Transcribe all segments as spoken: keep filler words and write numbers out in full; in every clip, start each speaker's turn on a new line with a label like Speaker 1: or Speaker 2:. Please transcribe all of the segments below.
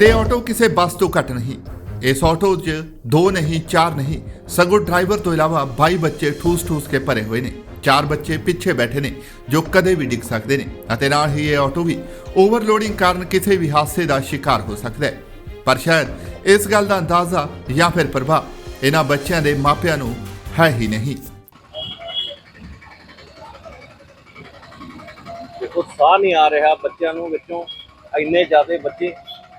Speaker 1: ਤੇ ਆਟੋ ਕਿਸੇ ਬੱਸ ਤੋਂ ਘੱਟ ਨਹੀਂ। ਇਸ ਆਟੋ 'ਚ ਦੋ ਨਹੀਂ ਚਾਰ ਨਹੀਂ ਸਗੋਂ ਡਰਾਈਵਰ ਤੋਂ ਇਲਾਵਾ ਬਾਈ ਬੱਚੇ ਠੂਸ ਠੂਸ ਕੇ ਭਰੇ ਹੋਏ ਨੇ। ਚਾਰ ਬੱਚੇ ਪਿੱਛੇ ਬੈਠੇ ਨੇ ਜੋ ਕਦੇ ਵੀ ਡਿੱਗ ਸਕਦੇ ਨੇ ਅਤੇ ਨਾਲ ਹੀ ਇਹ ਆਟੋ ਵੀ ਓਵਰਲੋਡਿੰਗ ਕਾਰਨ ਕਿਸੇ ਵੀ ਹਾਦਸੇ ਦਾ ਸ਼ਿਕਾਰ ਹੋ ਸਕਦਾ ਹੈ। ਪਰ ਸ਼ਾਇਦ ਇਸ ਗੱਲ ਦਾ ਅੰਦਾਜ਼ਾ ਜਾਂ ਫਿਰ ਪ੍ਰਭਾਵ ਇਹਨਾਂ ਬੱਚਿਆਂ ਦੇ ਮਾਪਿਆਂ ਨੂੰ ਹੈ ਹੀ ਨਹੀਂ।
Speaker 2: ਦੇਖੋ ਸਾਹ ਨਹੀਂ ਆ ਰਿਹਾ ਬੱਚਿਆਂ ਨੂੰ, ਵਿੱਚੋਂ ਇੰਨੇ ਜ਼ਿਆਦਾ ਬੱਚੇ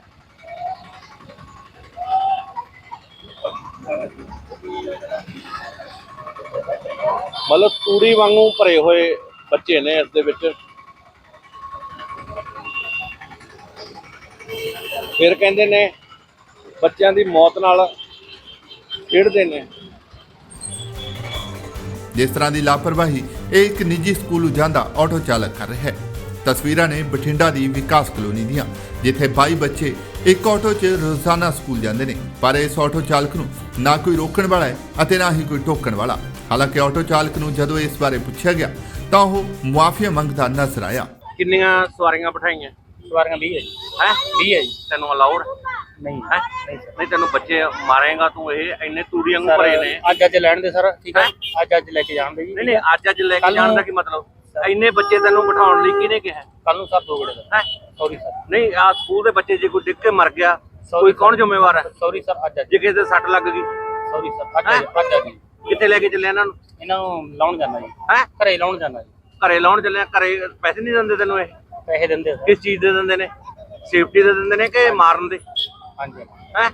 Speaker 2: ਮਤਲਬ ਤੂੜੀ ਵਾਂਗੂ ਭਰੇ ਹੋਏ ਬੱਚੇ ਨੇ ਇਸ ਦੇ ਵਿੱਚ। ਫਿਰ ਕਹਿੰਦੇ ਨੇ ਬੱਚਿਆਂ ਦੀ ਮੌਤ ਨਾਲ ਖੇਡਦੇ ਨੇ।
Speaker 1: ਜਿਸ ਤਰ੍ਹਾਂ ਦੀ ਲਾਪਰਵਾਹੀ ਇਹ ਇੱਕ ਨਿੱਜੀ ਸਕੂਲ ਜਾਂਦਾ ਆਟੋ ਚਾਲਕ ਕਰ ਰਿਹਾ ਹੈ। ਤਸਵੀਰਾਂ ਨੇ ਬਠਿੰਡਾ ਦੀ ਵਿਕਾਸ ਕਲੋਨੀ ਦੀਆਂ, ਜਿੱਥੇ ਬਾਈ ਬੱਚੇ ਇੱਕ ਆਟੋ 'ਚ ਰੋਜ਼ਾਨਾ ਸਕੂਲ ਜਾਂਦੇ ਨੇ, ਪਰ ਇਸ ਆਟੋ ਚਾਲਕ ਨੂੰ ਨਾ ਕੋਈ ਰੋਕਣ ਵਾਲਾ ਹੈ ਅਤੇ ਨਾ ਹੀ ਕੋਈ ਟੋਕਣ ਵਾਲਾ। ਹਾਲਾਂਕਿ ਆਟੋ ਚਾਲਕ ਨੂੰ ਜਦੋਂ ਇਸ ਬਾਰੇ ਪੁੱਛਿਆ ਗਿਆ ਤਾਂ ਉਹ ਮੁਆਫੀਆ ਮੰਗਦਾ ਨਜ਼ਰ ਆਇਆ।
Speaker 2: ਕਿੰਨੀਆਂ ਸਵਾਰੀਆਂ ਬਿਠਾਈਆਂ?
Speaker 3: ਸਵਾਰੀਆਂ ਵੀਹ ਹੈ ਜੀ।
Speaker 2: ਹੈ
Speaker 3: ਵੀਹ ਹੈ ਜੀ।
Speaker 2: ਤੈਨੂੰ ਅਲਾਉਡ
Speaker 3: ਨਹੀਂ
Speaker 2: ਹੈ?
Speaker 3: ਨਹੀਂ ਸਰ।
Speaker 2: ਨਹੀਂ ਤੈਨੂੰ ਬੱਚੇ ਮਾਰੇਗਾ ਤੂੰ? ਇਹ ਇੰਨੇ ਤੂੜੀ ਵਾਂਗੂ ਭਰੇ ਨੇ।
Speaker 3: ਅੱਜ ਅੱਜ ਲੈਣ ਦੇ ਸਰ, ਠੀਕ ਹੈ, ਅੱਜ ਅੱਜ ਲੈ ਕੇ ਜਾਣ ਦੇ ਜੀ।
Speaker 2: ਨਹੀਂ ਨਹੀਂ ਅੱਜ ਅੱਜ ਲੈ ਕੇ ਜਾਣ ਦਾ ਕੀ ਮਤਲਬ? ਇੰਨੇ ਬੱਚੇ ਤੈਨੂੰ ਬਿਠਾਉਣ ਲਈ ਕਿਹਨੇ ਕਿਹਾ?
Speaker 3: ਕੱਲ ਨੂੰ ਸਰ ਦੋ ਗੜੇ ਦਾ।
Speaker 2: ਹੈ
Speaker 3: ਸੌਰੀ ਸਰ।
Speaker 2: ਨਹੀਂ ਆ ਸਕੂਲ ਦੇ ਬੱਚੇ ਜੇ ਕੋਈ ਡਿੱਗ ਕੇ ਮਰ ਗਿਆ ਕੋਈ ਕੌਣ ਜ਼ਿੰਮੇਵਾਰ ਹੈ?
Speaker 3: Sorry sir. ਅੱਜ ਅੱਜ
Speaker 2: ਜੇ ਕਿਸੇ ਦੇ ਸੱਟ ਲੱਗ ਗਈ?
Speaker 3: Sorry sir. ਅੱਜ ਅੱਜ ਅੱਜ ਅੱਜ
Speaker 2: ਕਿੱਥੇ ਲੈ ਕੇ ਚੱਲੇ ਇਹਨਾਂ ਨੂੰ?
Speaker 3: ਇਹਨਾਂ ਨੂੰ ਲਾਉਣ ਜਾਣਾ ਜੀ।
Speaker 2: ਹੈ
Speaker 3: ਘਰੇ ਲਾਉਣ ਜਾਣਾ ਜੀ।
Speaker 2: ਘਰੇ ਲਾਉਣ ਚੱਲੇ? ਘਰੇ ਪੈਸੇ ਨਹੀਂ ਦਿੰਦੇ ਤੈਨੂੰ? ਇਹ
Speaker 3: ਪੈਸੇ ਦਿੰਦੇ ਆ ਸਰ।
Speaker 2: ਕਿਸ ਚੀਜ਼ ਦੇ ਦਿੰਦੇ ਨੇ? ਸੇਫਟੀ ਦੇ ਦਿੰਦੇ ਨੇ ਕਿ ਮਾਰਨ ਦੇ?
Speaker 3: ਹਾਂਜੀ।
Speaker 2: ਹੈ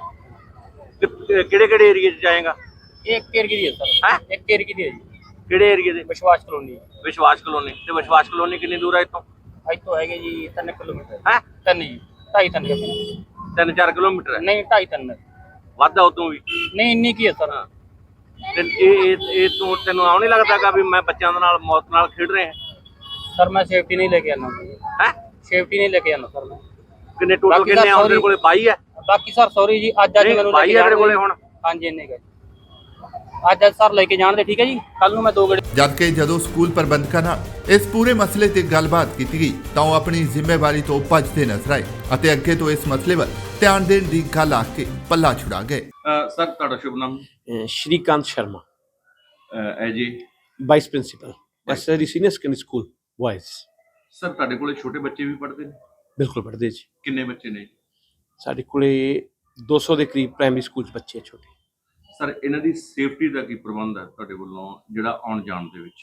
Speaker 2: ਕਿਹੜੇ ਕਿਹੜੇ ਏਰੀਏ 'ਚ ਜਾਏਗਾ?
Speaker 3: ਇਹ ਇੱਕ ਏਰੀਏ ਦੀ ਹੈ ਸਰ।
Speaker 2: ਹੈ
Speaker 3: ਇੱਕ ਏਰੀਏ ਦੀ ਹੈ ਜੀ।
Speaker 2: ਕਿਹੜੇ ਏਰੀਏ ਦੇ?
Speaker 3: ਵਿਸ਼ਵਾਸ ਕਲੋਨੀ।
Speaker 2: ਵਿਸ਼ਵਾਸ ਕਲੋਨੀ। ਤੇ ਵਿਸ਼ਵਾਸ ਕਲੋਨੀ ਕਿੰਨੀ ਦੂਰ ਹੈ ਇੱਥੋਂ?
Speaker 3: ਇੱਥੋਂ ਹੈਗੇ ਜੀ ਤਿੰਨ ਕਿਲੋਮੀਟਰ।
Speaker 2: ਹੈ
Speaker 3: ਤਿੰਨ ਜੀ, ਢਾਈ ਤਿੰਨ ਕਿਲੋਮੀਟਰ।
Speaker 2: ਤਿੰਨ ਚਾਰ ਕਿਲੋਮੀਟਰ ਹੈ?
Speaker 3: ਨਹੀਂ ਢਾਈ ਤਿੰਨ।
Speaker 2: ਵੱਧ ਆ ਉਦੋਂ ਵੀ?
Speaker 3: ਨਹੀਂ ਇੰਨੀ ਕੀ ਹੈ ਸਰ।
Speaker 2: ਤੇ ਇਹ ਇਹ ਇਹ ਤੂੰ ਤੈਨੂੰ ਆਉ ਨਹੀਂ ਲੱਗਦਾਗਾ ਵੀ ਮੈਂ ਬੱਚਿਆਂ ਦੇ ਨਾਲ ਮੌਤ ਨਾਲ ਖੇਡ ਰਿਹਾ?
Speaker 3: ਸਰ ਮੈਂ ਸੇਫਟੀ ਨਹੀਂ ਲੈ ਕੇ ਆਣਾ।
Speaker 2: ਹੈ
Speaker 3: ਸੇਫਟੀ ਨਹੀਂ ਲੈ ਕੇ ਆਣਾ ਸਰ ਮੈਂ।
Speaker 2: ਕਿੰਨੇ ਟੋਟਲ ਕਿੰਨੇ ਆ ਤੇਰੇ ਕੋਲੇ? ਬਾਈ ਹੈ?
Speaker 3: ਬਾਕੀ ਸਰ ਸੌਰੀ ਜੀ, ਅੱਜ ਅੱਜ ਮੈਨੂੰ ਲੈ ਕੇ
Speaker 2: ਜਾਣ ਦੇ ਕੋਲੇ ਹੁਣ।
Speaker 3: ਹਾਂਜੀ ਇੰਨੇ ਗਏ ਅੱਜ ਅੱਜ ਸਰ ਲੈ ਕੇ ਜਾਣ ਦੇ, ਠੀਕ ਹੈ ਜੀ। ਕੱਲ ਨੂੰ ਮੈਂ ਦੋ ਗੜੇ।
Speaker 1: ਜਦਕਿ ਜਦੋਂ ਸਕੂਲ ਪ੍ਰਬੰਧਕਾਂ ਨਾਲ ਇਸ ਪੂਰੇ ਮਸਲੇ ਤੇ ਗੱਲਬਾਤ ਕੀਤੀ ਗਈ ਤਾਂ ਉਹ ਆਪਣੀ ਜ਼ਿੰਮੇਵਾਰੀ ਤੋਂ ਭੱਜਦੇ ਨਜ਼ਰ ਆਏ ਅਤੇ ਅੱਗੇ ਤੋਂ ਇਸ ਮਸਲੇ ਵੱਲ ਧਿਆਨ ਦੇਣ ਦੀ ਗੱਲ ਆਖ ਕੇ ਪੱਲਾ ਛੁਡਾ ਗਏ।
Speaker 2: ਸਰ ਤੁਹਾਡਾ ਸ਼ੁਭ ਨਾਮ?
Speaker 4: श्रीकांत शर्मा,
Speaker 2: ਐ ਜੀ
Speaker 4: vice principal SRD senior secondary school boys.
Speaker 2: Sir ਤੁਹਾਡੇ ਕੋਲੇ ਛੋਟੇ ਬੱਚੇ ਵੀ ਪੜ੍ਹਦੇ ਨੇ?
Speaker 4: बिल्कुल पढ़ते जी।
Speaker 2: ਕਿੰਨੇ ਬੱਚੇ ਨੇ?
Speaker 4: साढ़े कोले दो सौ के करीब प्राइमरी स्कूल बच्चे छोटे।
Speaker 2: ਸਰ ਇਹਨਾਂ ਦੀ ਸੇਫਟੀ ਦਾ ਕੀ ਪ੍ਰਬੰਧ ਹੈ ਤੁਹਾਡੇ ਵੱਲੋਂ ਜਿਹੜਾ ਆਉਣ ਜਾਣ ਦੇ ਵਿੱਚ?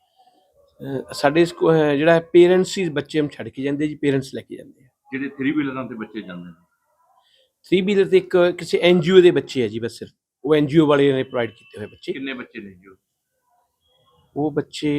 Speaker 4: अ, साढ़े स्कूल जोड़ा पेरेंट्स ही बच्चे हम छड़ के जाते जी, पेरेंट्स लैके जाते हैं।
Speaker 2: ਜਿਹੜੇ थ्री ਵੀਲਰਾਂ ਤੇ ਬੱਚੇ ਜਾਂਦੇ ਨੇ?
Speaker 4: थ्री व्हीलर तो एक किसी एन जी ओ के बच्चे है जी, बस सिर्फ वो एन जी ओ वाले ने प्रोवाइड किए हुए बच्चे।
Speaker 2: ਕਿੰਨੇ ਬੱਚੇ ਨੇ ਜੀ?
Speaker 4: वो बच्चे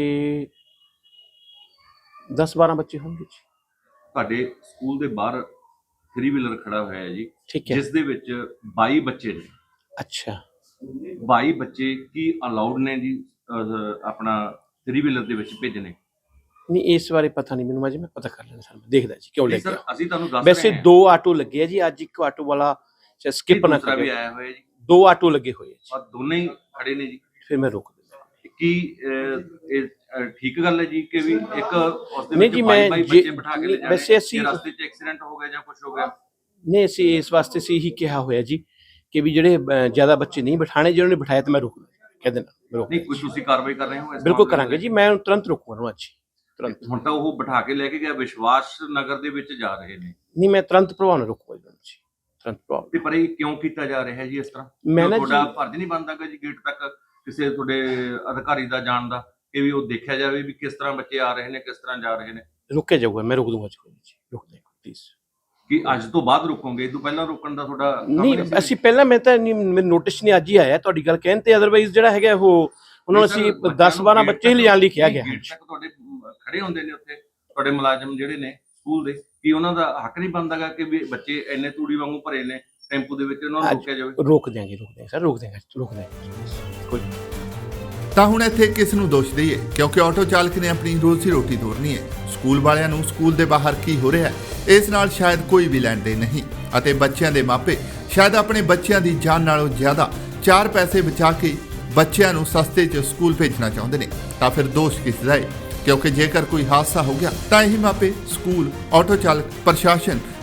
Speaker 4: दस बारह बच्चे होंगे जी।
Speaker 2: ਤੁਹਾਡੇ ਸਕੂਲ ਦੇ ਬਾਹਰ ਥ्री ਵੀਲਰ ਖੜਾ ਹੋਇਆ ਹੈ ਜੀ,
Speaker 4: ठीक है।
Speaker 2: ਜਿਸ ਦੇ ਵਿੱਚ ਬਾਈ ਬੱਚੇ ਨੇ।
Speaker 4: अच्छा,
Speaker 2: ਬਾਈ ਬੱਚੇ ਕੀ ਅਲਾਉਡ ਨੇ ਜੀ ਅਹ, ਆਪਣਾ थ्री ਵੀਲਰ ਦੇ ਵਿੱਚ ਭੇਜਣੇ?
Speaker 4: नहीं इस बारे पता नहीं मैंने, मैं पता कर लेना सर, मैं देखदा जी क्यों लेके
Speaker 2: ਸਰ
Speaker 4: आया।
Speaker 2: ਅਸੀਂ ਤੁਹਾਨੂੰ ਦੱਸ
Speaker 4: वैसे
Speaker 2: ਰਹੇ ਹਾਂ।
Speaker 4: दो ऑटो लगे है जी, अज एक ऑटो वाला स्किप ना
Speaker 2: ਦੂਸਰਾ ਵੀ
Speaker 4: करे,
Speaker 2: ਆਇਆ ਹੋਇਆ ਜੀ,
Speaker 4: दो ऑटो लगे हुए हैं
Speaker 2: ਔਰ ਦੋਨੇ ਹੀ ਖੜੇ ਨੇ ਜੀ।
Speaker 4: फिर मैं रोक दूंगा।
Speaker 2: ਕੀ ਅਹ, ਇਹ ਅਹ, ਠੀਕ ਗੱਲ ਹੈ ਜੀ ਕਿ ਵੀ ਇੱਕ ਉਸ ਦੇ
Speaker 4: ਨਹੀਂ
Speaker 2: ਵਿੱਚ
Speaker 4: ਜੀ,
Speaker 2: ਬਾਈ
Speaker 4: ਮੈਂ
Speaker 2: ਬਾਈ
Speaker 4: ਜੇ-
Speaker 2: ਬੱਚੇ ਬਿਠਾ ਕੇ ਲੈ ਜਾਣੇ?
Speaker 4: ਵੈਸੇ ਅਸੀਂ-
Speaker 2: ਜੇ ਰਸਤੇ 'ਚ ਐਕਸੀਡੈਂਟ ਹੋ ਗਿਆ ਜਾਂ ਕੁਝ ਹੋ ਗਿਆ?
Speaker 4: नहीं ਅਸੀਂ ਇਸ ਵਾਸਤੇ से ही कहा होया जी कि भी ਜਿਹੜੇ ਜ਼ਿਆਦਾ ਬੱਚੇ ਨਹੀਂ ਬਿਠਾਣੇ, ਜਿਹਨਾਂ ਨੇ ਬਿਠਾਇਆ ਤੇ ਮੈਂ ਰੋਕ ਕਹਿ ਦੇਣਾ, ਮੈਂ ਰੋਕ
Speaker 2: ਨਹੀਂ ਕੁਝ ਤੁਸੀਂ ਕਾਰਵਾਈ ਕਰ ਰਹੇ ਹੋ ਇਸ
Speaker 4: ਬਿਲਕੁਲ
Speaker 2: ਮਾਮਲੇ
Speaker 4: ਕਰਾਂਗੇ
Speaker 2: ਦੇ?
Speaker 4: ਜੀ, ਮੈਂ ਤੁਰੰਤ ਰੋਕੂਗਾ ਅੱਜ ਤੁਰੰਤ।
Speaker 2: ਹੁਣ ਤਾਂ ਉਹ ਬਿਠਾ ਕੇ ਲੈ ਕੇ ਗਿਆ ਵਿਸ਼ਵਾਸ ਨਗਰ ਦੇ ਵਿੱਚ ਜਾ ਰਹੇ ਨੇ।
Speaker 4: ਨਹੀਂ ਮੈਂ ਤੁਰੰਤ ਪ੍ਰਭਾਵ ਨਾਲ ਰੋਕੂਗਾ ਜੀ, ਤੁਰੰਤ ਪ੍ਰਭਾਵ।
Speaker 2: ਤੇ ਪਰ ਇਹ ਕਿਉਂ ਕੀਤਾ ਜਾ ਰਿਹਾ ਹੈ ਜੀ ਇਸ ਤਰ੍ਹਾਂ?
Speaker 4: ਮੈਂ ਨਾ
Speaker 2: ਤੁਹਾਡਾ
Speaker 4: ਜੀ-
Speaker 2: ਫਰਜ਼ ਨਹੀਂ ਬਣਦਾ ਕਿ ਜੀ ਗੇਟ ਤੱਕ ਕਿਸੇ ਤੁਹਾਡੇ ਅਧਿਕਾਰੀ ਦਾ ਜਾਣ ਦਾ, ਕਿ ਵੀ ਉਹ ਦੇਖਿਆ ਜਾਵੇ ਵੀ ਕਿਸ ਤਰ੍ਹਾਂ ਬੱਚੇ ਆ ਰਹੇ ਨੇ, ਕਿਸ ਤਰ੍ਹਾਂ ਜਾ ਰਹੇ ਨੇ?
Speaker 4: ਰੁਕੇ ਜਾਊਗਾ, ਮੈਂ ਰੋਕ ਦੂੰਗਾ ਜੀ, ਰੁਕ ਦੇਗਾ ਪਲੀਜ਼।
Speaker 2: ਕਿ ਅੱਜ ਤੋਂ ਬਾਅਦ ਰੁਕੋਗੇ? ਇਹ ਤੋਂ ਪਹਿਲਾਂ ਰੋਕਣ ਦਾ ਤੁਹਾਡਾ ਕੰਮ
Speaker 4: ਨਹੀਂ
Speaker 2: ਸੀ?
Speaker 4: ਅਸੀਂ ਪਹਿਲਾਂ, ਮੈਂ ਤਾਂ ਨਹੀਂ, ਮੇਰੇ ਨੋਟਿਸ ਨਹੀਂ ਅੱਜ ਹੀ ਆਇਆ ਤੁਹਾਡੀ ਗੱਲ ਕਹਿਣ ਤੇ, ਅਦਰਵਾਈਜ਼ ਜਿਹੜਾ ਹੈਗਾ ਉਹ ਉਹਨਾਂ ਨੂੰ ਅਸੀਂ ਦਸ ਬਾਰਾਂ ਬੱਚੇ ਹੀ ਲਿਜਾਣ ਲਈ ਕਿਹਾ ਗਿਆ।
Speaker 2: ਗੇਟ ਤੱਕ ਤੁਹਾਡੇ ਖੜੇ ਹੁੰਦੇ ਨੇ ਉੱਥੇ ਤੁਹਾਡੇ ਮੁਲਾਜ਼ਮ ਜਿਹੜੇ ਨੇ ਸਕੂਲ ਦੇ, ਕੀ ਉਹਨਾਂ ਦਾ ਹੱਕ ਨਹੀਂ ਬਣਦਾਗਾ ਕਿ ਵੀ ਬੱਚੇ ਇੰਨੇ ਤੂੜੀ ਵਾਂਗੂ ਭਰੇ ਨੇ ਟੈਂਪੂ ਦੇ ਵਿੱਚ, ਉਹਨਾਂ ਨੂੰ ਰੋਕਿਆ ਜਾਵੇ?
Speaker 4: ਰੋਕ ਦਿਆਂਗੇ, ਰੋਕ ਦਿਆਂਗੇ ਸਰ, ਰੋਕ ਦਿਆਂਗੇ, ਰੋਕ ਦਿਆਂਗੇ ਕੋਈ।
Speaker 1: ਤਾਂ ਹੁਣ ਇੱਥੇ ਕਿਸ ਨੂੰ ਦੋਸ਼ ਦਈਏ, ਕਿਉਂਕਿ ਆਟੋ ਚਾਲਕ ਨੇ ਆਪਣੀ ਰੋਜ਼ੀ ਰੋਟੀ ਤੋਰਨੀ ਹੈ। ਸਕੂਲ ਵਾਲਿਆਂ ਨੂੰ ਸਕੂਲ ਦੇ ਬਾਹਰ ਕੀ ਹੋ ਰਿਹਾ ਹੈ ਇਸ ਨਾਲ ਸ਼ਾਇਦ ਕੋਈ ਵੀ ਲੈਣ ਦੇਣ ਨਹੀਂ ਅਤੇ ਬੱਚਿਆਂ ਦੇ ਮਾਪੇ ਸ਼ਾਇਦ ਆਪਣੇ ਬੱਚਿਆਂ ਦੀ ਜਾਨ ਨਾਲੋਂ ਜ਼ਿਆਦਾ ਚਾਰ ਪੈਸੇ ਬਚਾ ਕੇ ਬੱਚਿਆਂ ਨੂੰ ਸਸਤੇ 'ਚ ਸਕੂਲ ਭੇਜਣਾ ਚਾਹੁੰਦੇ ਨੇ। ਤਾਂ ਫਿਰ ਦੋਸ਼ ਕਿਸ ਦਾ ਹੈ? ਕਿਉਂਕਿ ਜੇਕਰ ਕੋਈ ਹਾਦਸਾ ਹੋ ਗਿਆ ਤਾਂ ਇਹ ਮਾਪੇ, ਸਕੂਲ, ਆਟੋ ਚਾਲਕ, ਪ੍ਰਸ਼ਾਸਨ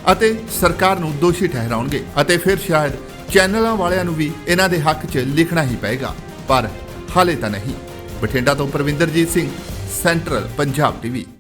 Speaker 1: ਅਤੇ ਸਰਕਾਰ ਨੂੰ ਦੋਸ਼ੀ ਠਹਿਰਾਉਣਗੇ ਅਤੇ ਫਿਰ ਸ਼ਾਇਦ ਚੈਨਲਾਂ ਵਾਲਿਆਂ ਨੂੰ ਵੀ ਇਹਨਾਂ ਦੇ ਹੱਕ 'ਚ ਲਿਖਣਾ ਹੀ ਪਏਗਾ, ਪਰ ਹਾਲੇ ਤਾਂ ਨਹੀਂ। ਬਠਿੰਡਾ ਤੋਂ ਪਰਵਿੰਦਰਜੀਤ ਸਿੰਘ, ਸੈਂਟਰਲ ਪੰਜਾਬ ਟੀਵੀ।